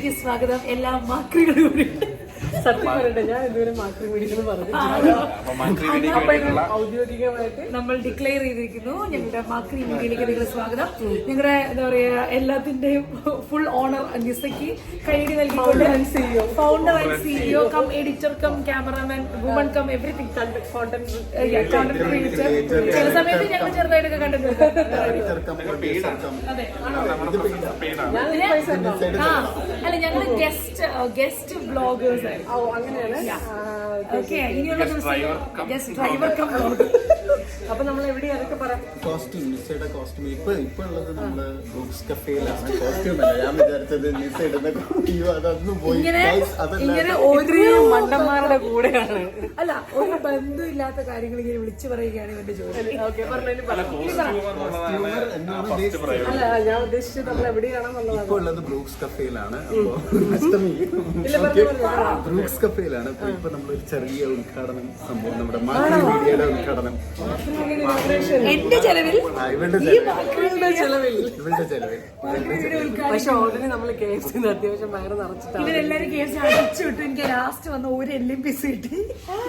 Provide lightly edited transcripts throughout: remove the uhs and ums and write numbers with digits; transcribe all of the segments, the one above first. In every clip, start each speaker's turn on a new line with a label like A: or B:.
A: വീഡിയോയിലേക്ക് സ്വാഗതം. എല്ലാ മാക്രികളും
B: സത്യം പറയട്ടെ, ഞാൻ ഇതുവരെ മാക്രി വീഡിയോ പറഞ്ഞു. ഔദ്യോഗികമായിട്ട്
A: നമ്മൾ ഡിക്ലെയർ ചെയ്തിരിക്കുന്നു. ഞങ്ങളുടെ മാക്രി വീഡിയോയിലേക്ക് നിങ്ങൾ സ്വാഗതം. ഞങ്ങളുടെ എന്താ പറയാ എല്ലാത്തിന്റെയും ഫുൾ ഓണർ നിസയ്ക്ക് കൈയടി നൽകിക്കൊണ്ട് founder and CEO cum editor cum cameraman woman cum everything content creator. ചില സമയത്ത് ഞങ്ങൾ ചെറുതായിട്ടൊക്കെ കണ്ടിട്ടുണ്ട്. അതെ അല്ല, ഞങ്ങൾ ഗസ്റ്റ് ബ്ലോഗേഴ്സ് ആയിരുന്നു.
B: അപ്പൊ നമ്മൾ എവിടെ അതൊക്കെ പറയാം.
C: കോസ്റ്റ്യൂം ഇപ്പൊ ഉള്ളത് നമ്മള് ബ്രൂക്സ് കഫേയിലാണ്. കോസ്റ്റ്യൂം അല്ല, ഞാൻ വിചാരിച്ചത് നിസ ഇടുന്ന അതൊന്നും പോയി.
A: ഇങ്ങനെ ഒരു മണ്ടന്മാരുടെ കൂടെയാണ്. അല്ല, ഒരു ബന്ധമില്ലാത്ത കാര്യങ്ങൾ ഇങ്ങനെ വിളിച്ചു പറയുകയാണ് ഇവന്റെ ജോലി.
B: അല്ല, ഞാൻ ഉദ്ദേശിച്ചത് നമ്മൾ എവിടെയാണെന്നുള്ളത്.
C: ഇപ്പൊ ഉള്ളത് ബ്രൂക്സ് കഫേയിലാണ്. ബ്രൂക്സ് കഫേയിലാണ്. ഇപ്പൊ നമ്മളൊരു ചെറിയ ഉദ്ഘാടനം സംഭവം, നമ്മുടെ മാക്രി മീഡിയയുടെ ഉദ്ഘാടനം
A: എന്റെ ചെലവിൽ,
C: ഇവരുടെ ചെലവിൽ.
B: പക്ഷെ ഓൾറെഡി നമ്മൾ KFC അത്യാവശ്യം വയറ് നിറച്ചിട്ടാണ്.
A: ഇവരെല്ലാരും KFC അടിച്ചു വിട്ടു. എനിക്ക് ലാസ്റ്റ് വന്ന ഒരു എല്ലും പീസ് കിട്ടി.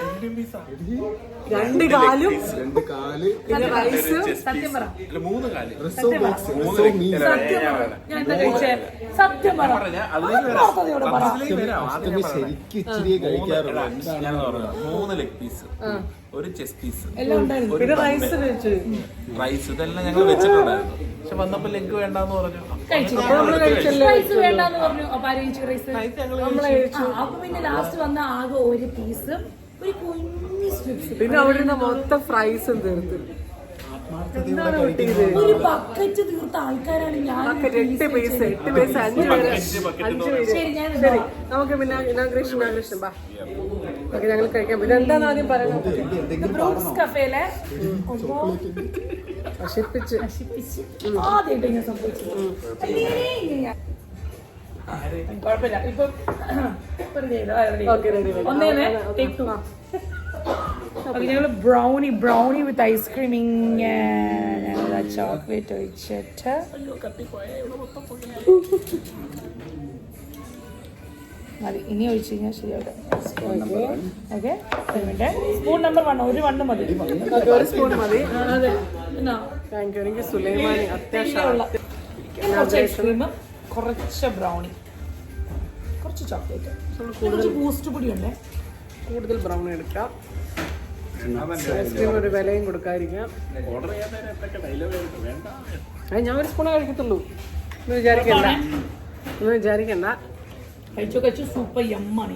B: 2 കാലും
C: 2 കാല്
B: പിന്നെ റൈസ്.
A: സത്യം പറ,
C: 3 കാല്
A: ഞാൻ എന്താ കഴിച്ചേ? സത്യം പറ,
C: ശരിക്കും ഇച്ചിരി കഴിക്കാറുള്ളൂ.
D: 3 ലെഗ് പീസ്, ഒരു ചെസ് പീസ്,
A: എല്ലാം ഉണ്ടായിരുന്നു.
B: പിന്നെ റൈസ് കഴിച്ചു.
D: റൈസ് ഇതെല്ലാം ഞങ്ങൾ വെച്ചിട്ടുണ്ടായിരുന്നു. പക്ഷെ വന്നപ്പോ ലെഗ് വേണ്ടെന്ന് പറഞ്ഞു.
A: റൈസ് വേണ്ടെന്ന് പറഞ്ഞു. അപ്പൊ ആര് കഴിച്ചു റൈസ്? അപ്പൊ പിന്നെ ലാസ്റ്റ് വന്ന ആകെ ഒരു പീസും ഒരു കുഞ്ഞു സ്ട്രിപ്സ്.
B: പിന്നെ അവിടെ നിന്ന് മൊത്തം ഫ്രൈസും തീർത്ത്.
A: ഒരു ബക്കറ്റ് തീർത്ത ആൾക്കാരാണ് ഞാൻ.
B: 8 പീസ് 5 പേര്.
A: ശരി, ഞാൻ
B: ശരി, നമുക്ക് പിന്നെ ഇനാഗ്രേഷൻ ബാ. ഓക്കെ, ഞങ്ങൾ കഴിക്കാം. പിന്നെ എന്താണ് ആദ്യം പറയുന്നത്?
A: ബ്രൂക്സ് കഫേയിലെ
B: നശിപ്പിച്ച്
A: ആദ്യമായിട്ട് ഞാൻ സംഭവിച്ചു. കുഴപ്പമില്ല. ഇപ്പൊ ഒന്നേന്ന് ടേക്ക് 2. ഞങ്ങള് ബ്രൗണി വിത്ത് ഐസ്ക്രീം ഇങ്ങനെ ചോക്ലേറ്റ് ഒഴിച്ചിട്ട് മതി. ഇനി ഒഴിച്ചു കഴിഞ്ഞാൽ ശരിയാവില്ല. Okay, spoon number 1. ഒരു 1 മതി.
B: ഒരു സ്പൂൺ മതി.
A: അതെ,
B: താങ്ക് യു. എനിക്ക് സുലൈമാനി അത്യാവശ്യമുള്ള
A: കുറച്ച് ഐസ്ക്രീം, കുറച്ച് ബ്രൗണി, കുറച്ച് ചോക്ലേറ്റ്, കുറച്ച് ബൂസ്റ്റ് പൊടിയുണ്ട്.
B: കൂടുതൽ ബ്രൗണി എടുക്കാം. ഐസ്ക്രീം ഒരു വിലയും കൊടുക്കാതിരിക്കാം. ഞാൻ ഒരു സ്പൂണേ കഴിക്കത്തുള്ളൂ. ഒന്നും വിചാരിക്കണ്ട.
A: കഴിച്ചു സൂപ്പർ യമ്മാണ്.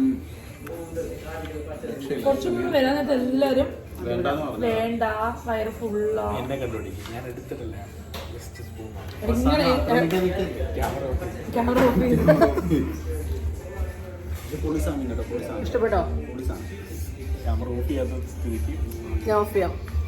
A: കുറച്ചും കൂടി വരാനായിട്ട് എല്ലാരും വേണ്ട, വയറ് ഫുള്ളാ.
B: ഇഷ്ടപ്പെട്ടോ? ഞാൻ ഓഫ് ചെയ്യാം.